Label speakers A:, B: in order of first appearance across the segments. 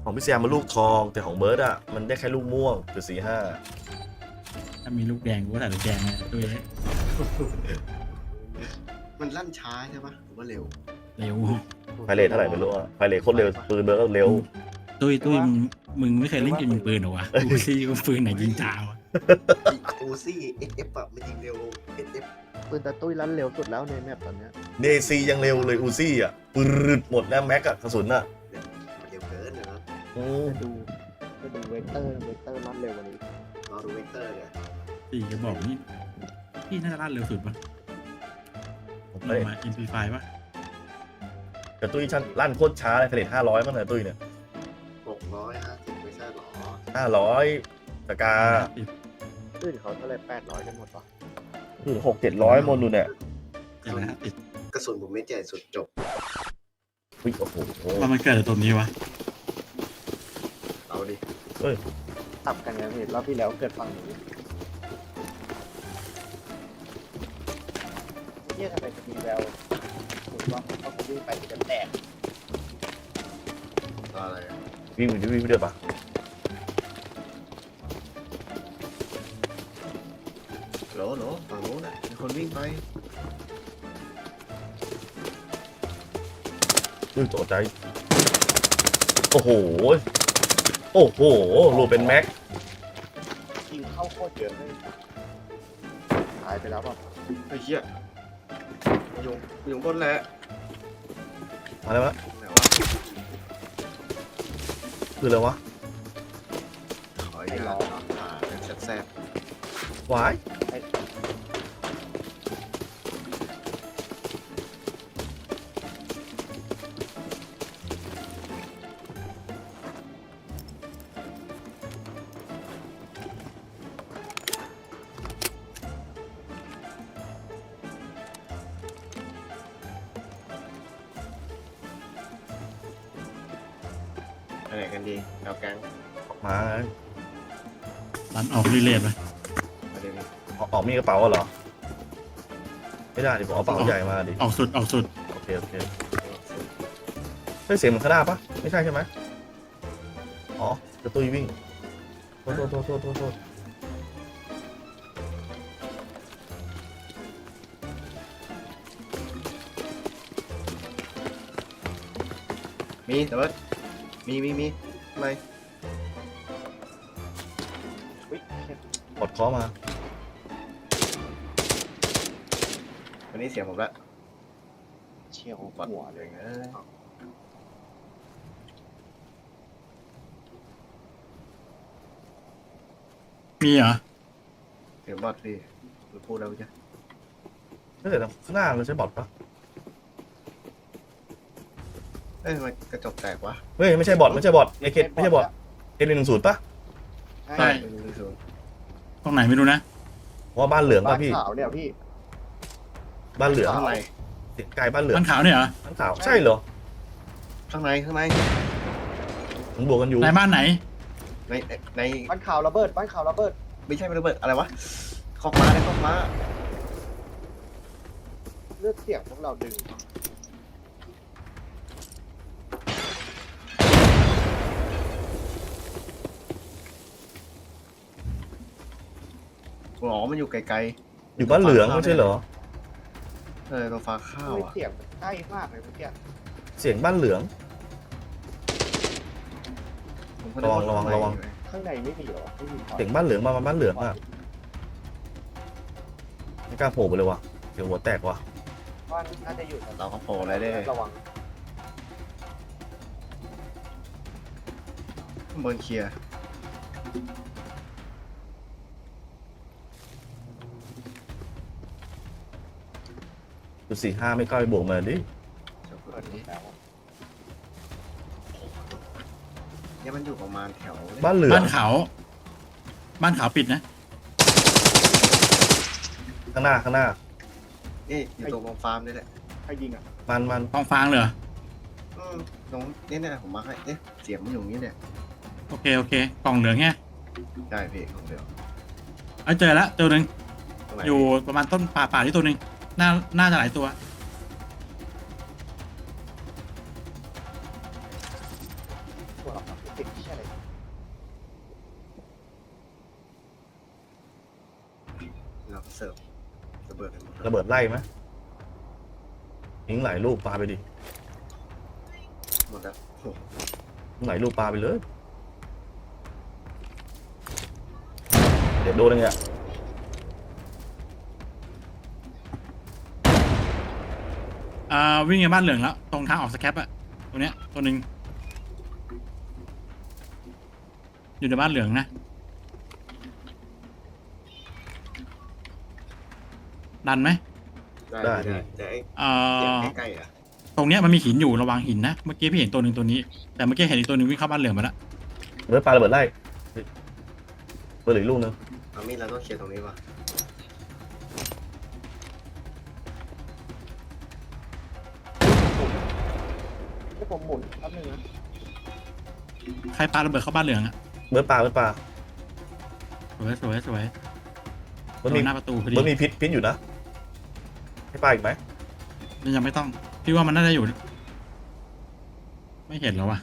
A: ของพี่แซมมันลูกทองแต่ของเบิร์ดอ่ะมันได้แค่ลูกม่วงคือ4-5
B: ถ้ามีลูกแดงกูก็ใส่ลูกแดงนะด้วย
C: มันลั่นช้าใช่ปะหรือว่าเร็ว
B: เร็ว
A: ไฟเรทเท่าไหร่ไม่รู้อ่ะไฟเรทโคตรเร็วปืนเบิร์ดก็เร็ว
B: ตุ้ยมึงไม่เคยเล่นเกมยิงปืนเหรอวะกูซี่กูปืนไหนยิงจ้าวะ
C: อูซี่เอฟแบบมันยิงเร็วเอฟ
D: ปืนตะตุ้ยลั่นเร็วสุดแล้วในแมปตอนเนี้ย
A: เดซียังเร็วเลยอูซี่อ่ะปืดหมดแล้วแม็กอะกระสุนอ่ะ
C: มันเร็วเกินนะครับ
A: อืม
D: จะดูเวกเตอร์ลั่นเร็วกว่านี้
C: รอดูเวกเตอร์เนี่ย
B: สี่กระบอกนี่พี่น่าจะลั่นเร็วสุดปะ
A: ผม
B: เรา
A: ไม่
B: มา MP5 ปะ
A: แต่ตุ้ยชั้นลั่นโคตรช้าเลยไฟเรท500มั้งเนี่ยตุ้ยเนี่ย
C: 650ไม่ใช่หรอ
A: 500สกา
D: ตื้นเขาเท่าไร800กันหมดปะ
A: คือ600-700มนดูเนี่ย
B: อย่างไรติด
C: กระสุนผมไม่ใหญ่สุดจบ
A: อุ๊ยโอ้โห
B: ว่ามันเกิดจากตรงนี้วะ
C: เอาดิ
D: ตับกันไงพี่รอบที่แล้วเกิดฝั่งนี้เนี่ยทำไมจะมีแววผมว่าเขาคงวิ่งไปจะแตก
C: รออะไรอะ
A: วิ่งไปเดือดปะ
C: โหลฝั่งนู้นน่ะมีคนวิ่งไป
A: อุ้ยตกใจโอ้โหรูเป็นแม็ก
D: ยิงเข้าโคตรเยอะเลยตายไปแล้วป่ะ
C: ไอ้เหี้ยอยู่บนแหละ
A: อะไรวะ
C: ไหนวะ
A: คืออะไรวะ
C: ขออนุญาตเป็นแซ่บ
A: วาย
C: ๆไปไหนกันดีเอาแก๊ง
A: มา
B: ลั่นออกเรื่อยๆไป
C: มาเดี๋ยวนี้
A: ออกมีกระเป๋าเหรอไม่ได้ดิผมเอากระเป๋าใหญ่มาดิ
B: ออกสุด
A: โอเคใช่เสียงเหมือนข้างหน้าปะไม่ใช่ใช่ไหมอ๋อกระตุ้ยวิ่งโทษ
C: มีแต่ว่ามีอะไร
D: อุ้ย
A: กดเคอมา
C: วันนี้เสียงผมละ
D: เฉียว
C: ปัด
D: หัว
C: เล
D: เลย ย
C: นะ
B: มีเหรอ
C: เสียงบอดพี่หรือพูดแล้วจ้ะ
A: ไม่แต่ข้างหน้าเราใช้บอทปะ
C: เอ้ยทำไมกระจกแตกวะ
A: เฮ้ยไม่ใช่บอทไม่ใช่บอทเอเคไม่ใช่บอทL110ปะ
B: ใช่ ตรงไหนไม่รู้นะ
A: เพราะว่าบ้านเหลือง
D: บ้า
A: ป่ะ
D: น
A: พี่
D: ขาวเนี่ยพี่
A: บ้านเหลือง
C: ข้างใน
A: เสียงไกลบ้านเหลือง
B: มันขาวเนี่ยเหรอ
A: บ้านขาวใช่เหรอ
C: ข้างใน
A: ผมบวกกันอยู่
B: ในบ้านไหน
C: ใน
D: บ้านขาวระเบิดบ้านขาวระเบิด
C: ไม่ใช่ระเบิดอะไรวะคอกม้าได้คอกม้า
D: เลือดเสียงพวกเราดึง
C: อ๋อมันอยู่ไกล
A: อยู่บ้านเหลืองไม่ใช่เหรอ
C: ๆตรงฟ้าข้าว
D: ทำไม
C: อ่ะ
D: เสียงมันใกล้มากเลยเมื่อกี้
A: เสียงบ้านเหลือง
C: ผมก็นึกา
A: ระวัง
C: ข้าใน
A: ระวัง
D: ข้างในไม่มีเหรอไม่มี
A: เสียงบ้านเหลืองมาบ้านเหลืองอ่ะไม่กล้าโผล่ไปเลยว่ะเสียงหัวแตกว่ะ
D: ว่าน่าจะอยู่
C: เราก็โผล่อะไรได้
D: ระวัง
C: ข้างบนเคลียร์
A: จุด45ไม่กล้าไปบวกมาดิ
C: จะเปิ
D: เปิ
C: ด
D: ด
C: นี้
D: แล้ว
C: เนี่ยมันอยู่ประมาณแถว
A: บ้านเหลือง
B: บ้านขาวปิดนะ
A: ข้างหน้า
C: นี่อยู่ตรงกองฟาร์มนี่แหละ
D: ใครยิงอ่ะ
A: มัน
B: ฟองฟางเลยเหรอ
C: ตรงเนี่ยผมมาให้เสียงมันอยู่อย่างนี้เนี่ย
B: โอเคกล่องเหลืองแค่
C: ได้พี่ของเดียว
B: เจอแล้วตัวหนึ่ง
C: ตรงไหน
B: อยู่ประมาณต้นป่าที่ตัวหนึ่งน่าจะหลายตัว
D: พวกเราเก็บจ็บเชี่ยอะไร
C: เราเสิร์ฟระเบิดกันหมด
A: ระเบิดไล่ไหมยิงหลายลูกปาไปดิ
C: หมดแล้วโอ้โห
A: ยิงหลายลูกปาไปเลยเดี๋ยวโดนอะไรเงี้ย
B: วิ่งในบ้านเหลืองแล้วตรงทางออกสแคปอะตรงเนี้ยตัวหนึ่งอยู่ในบ้านเหลืองนะดันไหม
C: ได้แต่ไอ้
B: เอ่
C: เสียง
B: อ
C: ใกล้ๆอ่ะ
B: ตรงเนี้ยมันมีหินอยู่ระวังหินนะเมื่อกี้พี่เห็นตัวหนึ่งตัวนี้แต่เมื่อกี้เห็นอีกตัวหนึ่งวิ่งเข้าบ้านเหลืองมาแล้ว
A: เบิร์ดปาระเบิดไล่เบิร์ดเหลืออกลูกนึง
C: เอามีดเราต้องเคลียร์ตรงนี้ว่ะ
D: ให้ผมหมุนแป๊บนึงนะ
B: ใครปาระเบิดเข้าบ้านเหลืองอะ
A: เบิร์ดปาเบิร์ดปา
B: สวยสวยสวย
A: เบิร์ด
B: โด
A: มี
B: นหน้าประตูพอดี
A: เบิร์ดมีพิษอยู่นะให้ปาอีกไหม
B: ยังไม่ต้องพี่ว่ามันน่าจะอยู่ ไม่เห็นแล้ววะ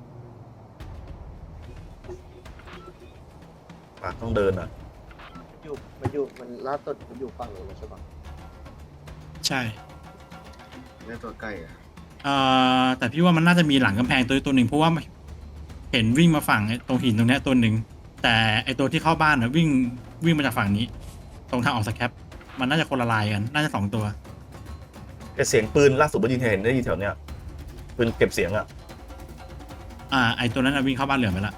A: ปาต้องเดินอ่ะ
D: มันล่าสุดมันอยู่ฝั่งนู้นใช่ปะ
B: ใช่
C: ได้ตัวใกล้อ่ะ
B: แต่พี่ว่ามันน่าจะมีหลังกำแพงตัวหนึ่งเพราะว่าเห็นวิ่งมาฝั่งไอ้ตรงหินตรงเนี้ยตัวหนึ่งแต่ไอตัวที่เข้าบ้านน่ะวิ่งมาจากฝั่งนี้ ตรงทางออกสแคปมันน่าจะคนละลายกันน่าจะสองตัว
A: แต่เสียงปืนล่าสุดเบิร์ดยิงเห็นได้ยินแถวเนี้ยปืนเก็บเสียงอ่ะ
B: ไอตัวนั้นน่ะวิ่งเข้าบ้านเหลืองไปละ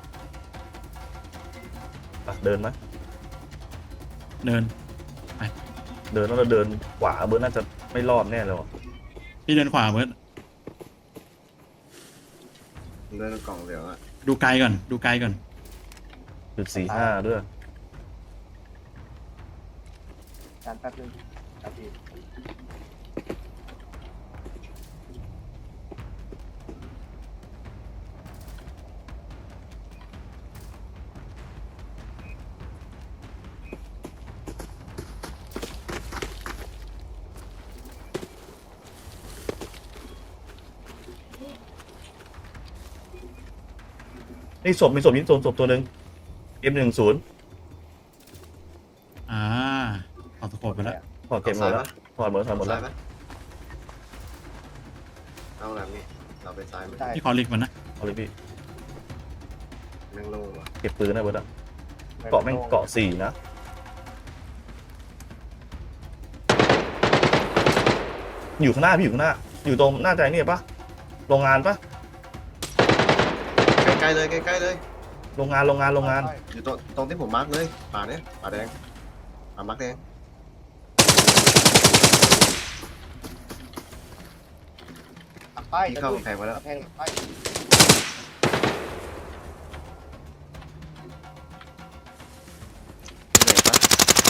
A: ปะเดินไหม
B: เดิน
A: เดินแล้วเราเดินขวาเบิร์ดน่าจะไม่รอดแน่เลยว่ะ
B: พี่เดินขวาเบิร์ด
C: เดินกล่องเหลืองอ่ะ
B: ดูไกลก่อนดูไกลก่อน
A: .45ด้วย
D: การแป๊บนึงครับพี่
A: นี่ศพมีศพยิงศพตัวหนึ่ง M10
B: ออกตะโขบไปแล้ว
A: ถอดเก็บหมดแล้วถอดหมดแล้วถอดหมดแล้ว
C: ซ้ายปะเอาหลังนี่เราไปซ้ายไหม
D: ได้
B: พี่ขอลิกมันนะ
A: เอาเลยพี่
C: แม่งโล่งว่ะ
A: เก็บปืนนะเบิร์ดอะเกาะแม่งเกาะ4นะอยู่ข้างหน้าพี่อยู่ข้างหน้า อยู่ตรงหน้าใจนี่ปะโรงงานปะ
C: ใกล้ๆเลยใกล้ๆเลย
A: โรงงาน
C: อยู่ตรงที่ผมมาร์กเลยป่าเนี้ยป่าแดงป่ามาร์กแดง
D: ตักป้าย
C: ที่เข้ากำแพงมาแล้ว
D: แพงป้าย
C: เหนื่อยปะ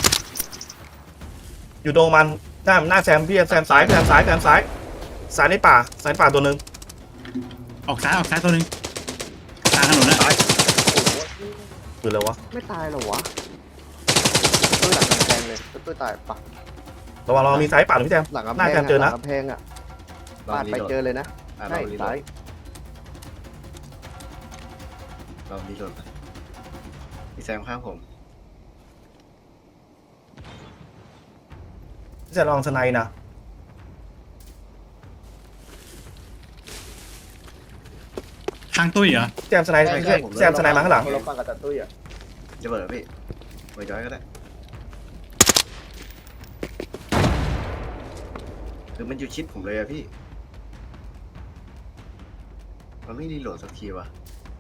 A: อยู่ตรงมันหน้าแซมพี่แซมซ้ายซ้ายในป่าตัวหนึ่ง
B: ออกซ้ายตัวหนึ่งทางถนนนะ
A: คืออะไรวะ
D: ไม่ตายเหรอวะตุ้ยหลังกำแพงเลยตุ้ยตายปะ
A: ระวังมีซ้ายป่าหรือพี่แซม
D: หลังกำ
A: ห
D: แพ
A: น้าง แซมเจอ
D: หลั
A: นะ
D: งกำแพงอ่ะ
C: ลอง
D: ปาด
C: รี
D: ไป
C: โหลด
D: เจอเลยนะ
C: ลอ
D: ใช่
C: งรีโหล
D: ซ้า
C: ด
D: ย
C: ลองรีโหลดไปพี่แซมข้างผม
A: พี่แซมลองสไนนะ
B: ทางตุ้ยเหรอ
A: แซมสไนมาข้างหลัง
D: เราฟังกับตาตุ้ยอ่ะ
C: จะเปิดพี่ไปย้อยก็ได้คือมันอยู่ชิดผมเลยอะพี่มันไม่รีโหลดสักทีวะ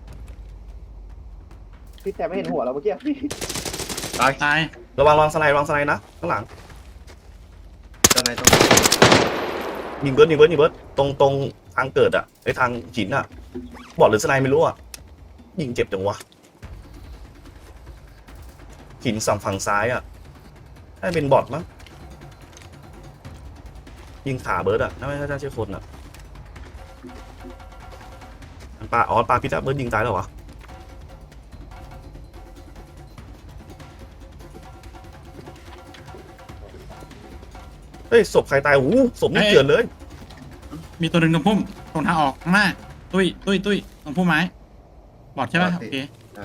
D: พี่แต่ไม่เห็นหัวเราเมื่อกี้พี่
C: ตาย
B: ตาย
A: ระวังสไนนะข้างหลัง
C: ตอนไหนตรง
A: ยิงเบิร์ดตรงทางเกิดอะไอทางหินอะบอดหรือสไนไม่รู้อะยิงเจ็บจังวะหินฝั่งซ้ายอะน่าจะเป็นบอดมั้งยิงขาเบิร์ดอะน่าไม่น่าใช่คนอะปลาพิษอะเบิร์ดยิงตายแล้ววะเฮ้ยศพใครตายโอ้โหศพนี่เกลื่อนเลย
B: มีตัวหนึ่งตรงพุ่มตรงทางออกข้างหน้าตุ้ยตรงพุ่มไม้บอดใช่ป่ะ
C: บอด
B: โอ
C: สิ
B: เค
C: ใช่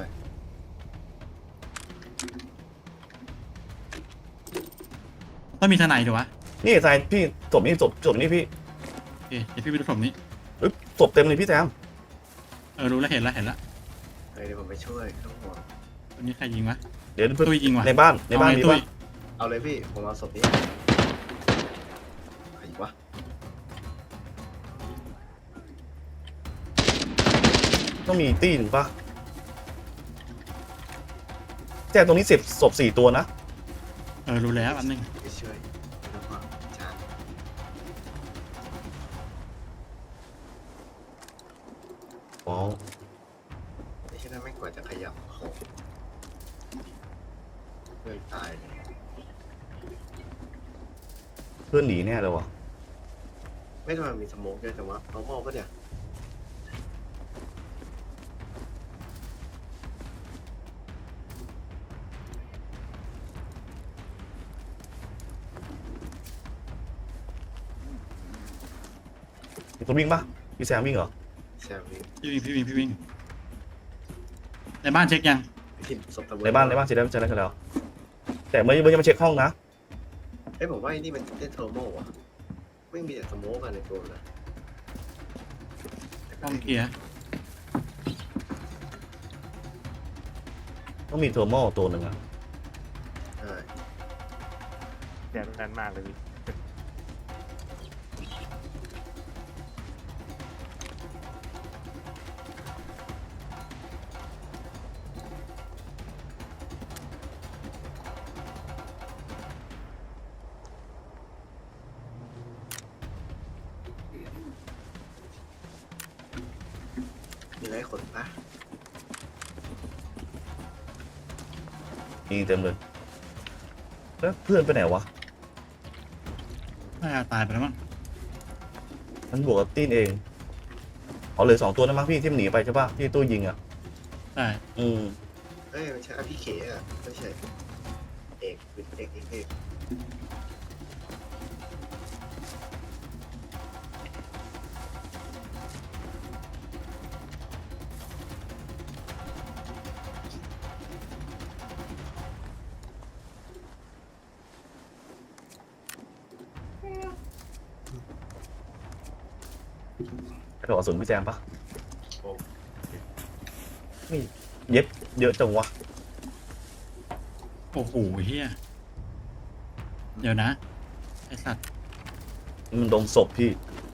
B: ต้องมีทนายดูวะ
A: นี่ทรายพี่ศพนี่ศพนี่พี่
B: โอเคเดี๋ยวพี่ไปดูศพนี้
A: เอ้ยศพเต็มเลยพี่แซม
B: รู้แล้วเห็นแล้ว
C: เดี๋ยวผมไปช่วยไม่ต้องห่วง
B: ตัวนี้ใครยิงวะ
A: เดี๋ยว
B: ตุ้ยยิงว่ะ
A: ในบ้านมี
B: ตุ้
A: ป่ะ
B: ย
C: เอาเลยพี่ผมเอาศพนี้ใครวะ
A: ต้องมีตีหนึ่งป่ะแจ้งตรงนี้ศพ4 ตัวนะ
B: รู้แล้วอันนึง
C: ไปช่วยไม่ต้องห่วงจาน
A: อ๋อ
C: ไม่ใช่นั่นไม่กว่าจะขยับของเพื่อนตายเลย
A: เพื่อนหนีแน่เลยวะ
C: ไม่ทำไมมีสโมกเยอะจังวะเอาหม้อปะเนี่ย
A: มีคนวิ่งป่ะพี่แซมวิ่งเหรอ
C: แซมนี่
B: พี่วิ่งในบ้านเช็คยัง
C: ที่ศพตะเวน
A: ในบ้านเสร็จแล้วแต่เมื่อยังมาเช็คห้องนะ
C: เอ้ยผมว่าไอ้นี่มันเล่นเทอร์โมว่ะไม่มีแต่สโมกกันในตัวนะ
B: ห้องเคลียร์
A: ต้องมีเทอร์โมตัวหนึ่งอะ
C: ใช่
D: แดนนั้นมากเลยพี่
C: มีอะไรขนปะ
A: มีเต็มเลยแล้วเพื่อนไปไหนวะ
B: น่าจะตายไปแล้วมั้ง
A: มันบวกกับตีนเองเอาเหลือ2 ตัวนะมั้งพี่ที่มันหนีไปใช่ป่ะที่ตู้ยิงอ่ะ
B: ใช่
A: อืม
C: เอ้ยมันใช่พี่เขอ่ะไม่ใช่เอกเป็นเอก
A: กระโดดกระสุนพี่แซมป่ะ
C: โอ้
A: นี่เย็บเยอะจังวะ
B: โอ้โหเฮียเดี๋ยวนะไอสัตว์
A: มันโดนศพพี่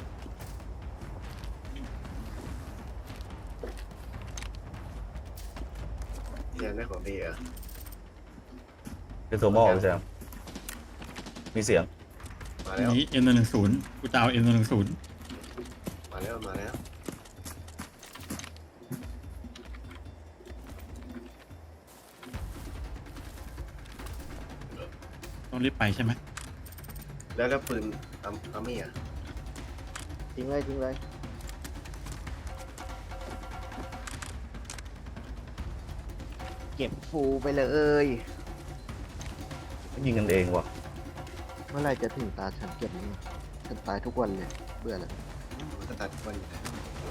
C: แซมได้ของดีอ่ะ
A: เป็นเทอร์โมพี่แซมมีเสียง
C: มา
B: อัน
C: แล้ว
B: นี้ M110กูจะเอา M110
C: มาแล้ว
B: ต้องรีบไปใช่ไหม
C: แล้วปืนอามี่อ่ะ
D: ทิ้งเลยเก็บฟูไปเลย
A: ยิงกันเองว่ะ
D: เมื่อไหรจะถึงตาฉันเก็บนี่ฉันตายทุกวันเลยเบื่อแล้ว
C: มันก็ตัดวันอยู่นะเรา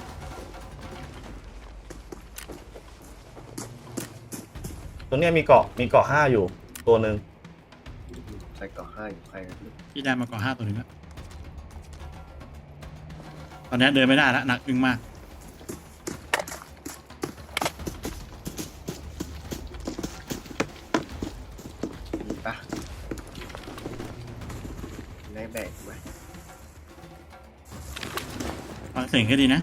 A: ตรงเนี้ยมีเกาะ5อยู่ตัวหนึ่ง
C: ใส่เกาะ5อยู่ใครกัน
B: พี่ได้มาก่อน5 ตัวหนึงแล้วตอนนี้เดินไม่ได้แล้วหนักอึ้งมาก
C: มีปะมีได้แบกไหม
B: ฟังเสียงให้ดีนะ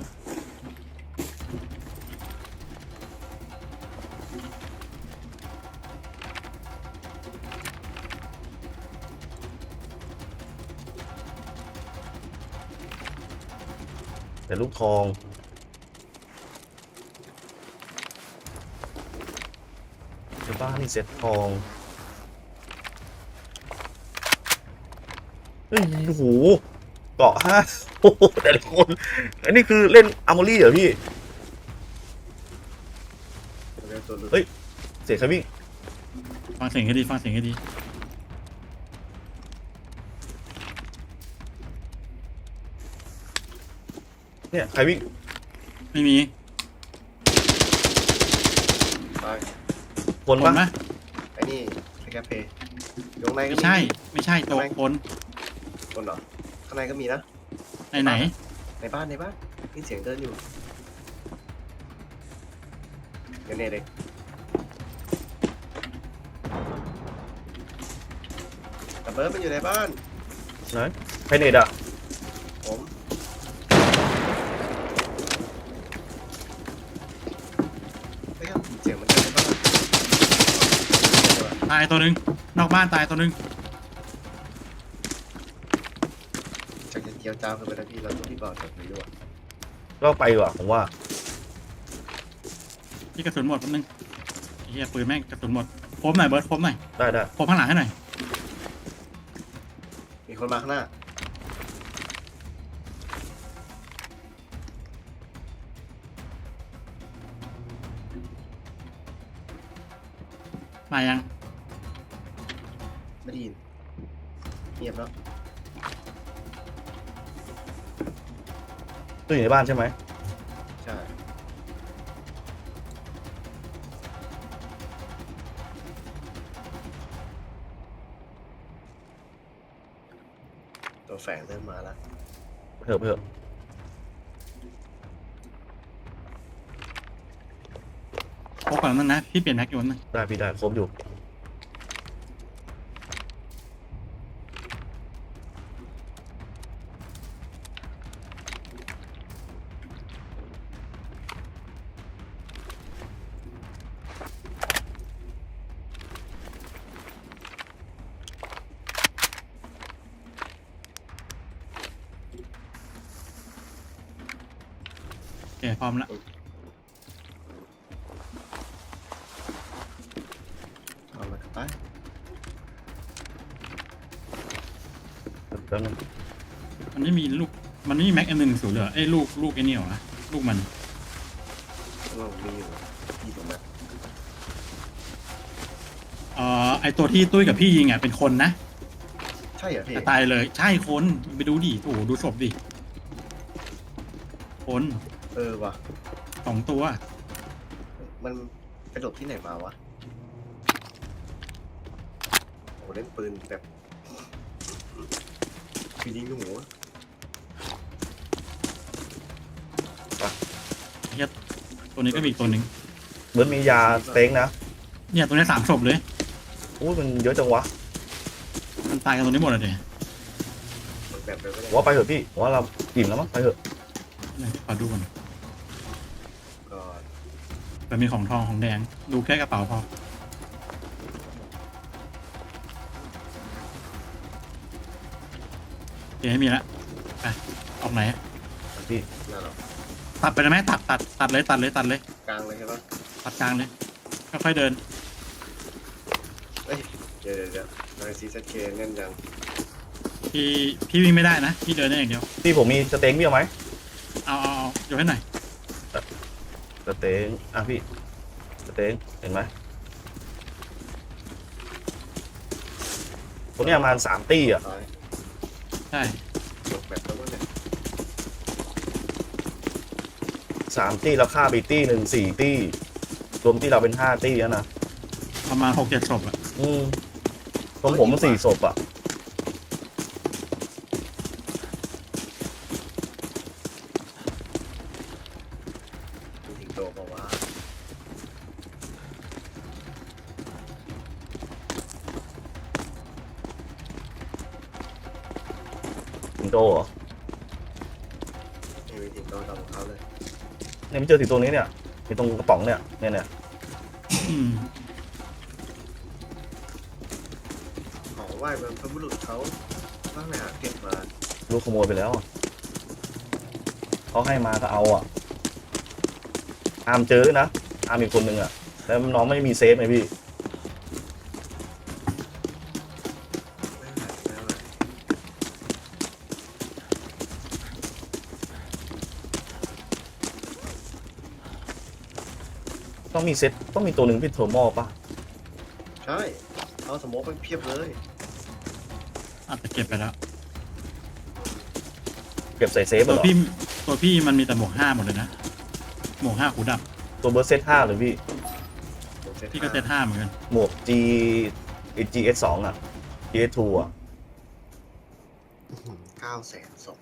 A: แต่ลูกทองในบ้านนี่เซ็ตทองเฮ้ยโอ้โหเกาะ5โอ้โหแต่ละคนอันนี้คือเล่นอาร์มอรี่เหรอพี่
C: เรื่องตัวหลุด
A: เฮ้ย เสียงใครวิ่ง
B: ฟังเสียงให้ดีฟังเสียงให้ดี
A: เนี่ยใครวิ่ง
B: ไม่มี
A: คน
B: ค
A: ปะ
B: นไหม
C: ไอ้นี่สแกปเพย์อยู่ข้างในก็
B: ไม่
C: มี
B: ใช่ ไม่ใช่ตัวคน
C: คนเหรอข้างในก็มีนะ
B: ไหนไหน
C: ในบ้านได้ยินเสียงเดินอยู่เนี่ยเด็กแต่เบิร์ดมันอยู่ในบ้าน
A: ไหนไพเนตอะ
C: ผมเฮ้ยเสียงมันเดินในบ้าน
B: ตายตัวหนึ่งนอกบ้านตายตัวหนึ่ง
C: จากจะเจียวจ้าวขึ้นไปนะพี่เราต้องรีบบอกจากนี้ด้วย
A: ก็ไปว่ะผมว่า
B: ที่กระสุนหมดแป๊บนึงไอ้เฮียปืนแม่งกระสุนหมดโคมหน่อยเบิร์ดโคมหน่อย
A: ได้ได้
B: โคมข้างหลังให้หน่อย
C: มีคนมาข้างหน้า
B: มายัง
C: ไม่ได้ยินเงียบแล้ว
A: ตู้อยู่ในบ้านใช่ไหม
C: ใช่ตัวแฝงเริ่มมาแล้ว
A: เถอะเถอะ
B: โคก่อนนั่นนะพี่เปลี่ยนแม็กอยู่นึง
A: ได้พี่ได้ครบอยู่
B: โอเคพร้อมละ
C: เอามากลับไป
A: แป๊บนึง
B: มันไม่มีลูกมันไม่มีแม็กอันหนึ่งศูนย์เหรอไอ้ยลูกไอ้นี่เหรอวะลูกมัน
C: เรามีอยู่ที่ตรงนั้น
B: ไอตัวที่ตุ้ยกับพี่ยิงอ่ะเป็นคนนะ
C: ใช่เหรอพี่
B: แต่ตายเลยใช่คนไปดูดิโอ้โหดูศพดิคน
C: เออว่ะ
B: 2 ตัว
C: มันไปหลบที่ไหนมาวะโอ้เล่นปืนแบบคือยิงลูกหมูอะ
B: ตัวนี้ก็มีอีกตัวหนึ่ง
A: เบิร์ดมียาสเต็งนะ
B: เนี่ยตัวนี้3 ศพเลย
A: อู้มันเยอะจังวะ
B: มันตายกันตัวนี้หมดเลยเดี๋ย
C: มันแบบไปไม่ได้
A: ผมว่าไปเถอะพี่ผมว่าเราอิ่มแล้วมั้งไปเถอะ
B: ขอดูก่อน
C: ก็
B: แต่มีของทองของแดงดูแค่กระเป๋าพอโอเคไม่มีละไปออกไหน
A: พี่
C: น่าหรอก
B: ตัดไปได้ไหมตัดเลยตัดเลย
C: กลางเลยใช่ปะ
B: ตัดกลางเลยค่อยๆเดิน
C: เอ้ยเดี๋ยวทางซีซัเคแน่นยัง
B: พี่วิ่งไม่ได้นะพี่เดินได้อย่างเดียว
A: พี่ผมมีสเต็งพี่เอาไหม
B: เอาโยนให้หน่อย
A: สเต็งอ่ะพี่สเต็งเห็นไหมตรงเนี้ยประมาณ3 ตี้อ่ะ
C: ตาย
B: ใช่
C: หลบแบบแล้วเนี่ย
A: 3 ตี้แล้วฆ่าไปตี้หนึ่ง4 ตี้รวมที่เราเป็น5 ตี้แล้วนะ
B: ประมาณ6-7 ศพอะ
A: ตรงผมมัน4 ศพอ่ะ
C: มีถึงโตบอกว่า
A: สิงโตเหรอ
C: ไม่มีถึงโตตามของเขาเลย
A: เนี่ยไม่เจอสิงโตนี้เนี่ยมีตรงกระป๋องเนี่ยเนี่ย
B: อืม
C: ของไหว้บรรพบุรุษเขาว่าไปหาเก็บมา
A: ลูกขโมยไปแล้วอะเขาให้มาก็เอาอ่ะอามเจอนะอามอีกคนนึงอ่ะแล้วน้องไม่มีเซฟไงพี่
C: ไม่เป็นไรไม่เป็นไร
A: ต้องมีเซตต้องมีตัวหนึ่งพี่เทอร์โมป่ะ
C: ใช่เอาสโมกไปเพียบเลย
B: อาจจะเก็บไปแล้ว
A: เก็บใส่เซฟเหร
B: ตัว
A: อ
B: พี่มันมีแต่หมวก 5หมดเลยนะหมวก 5 หูดับ
A: ตัวเบอร์เซต5เลยพี่
C: ผม
B: พี่ก็เซตห้าเหมือนกัน
A: หมวก GS2 อ่ะ GS2 อ่ะ
C: 900,002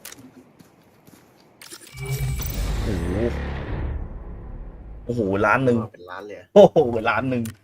A: โอ้โหโอ้โหล้านหนึ่ง
C: เป็นล้านเลยอะ
A: โอ้โหล้านหนึ่ง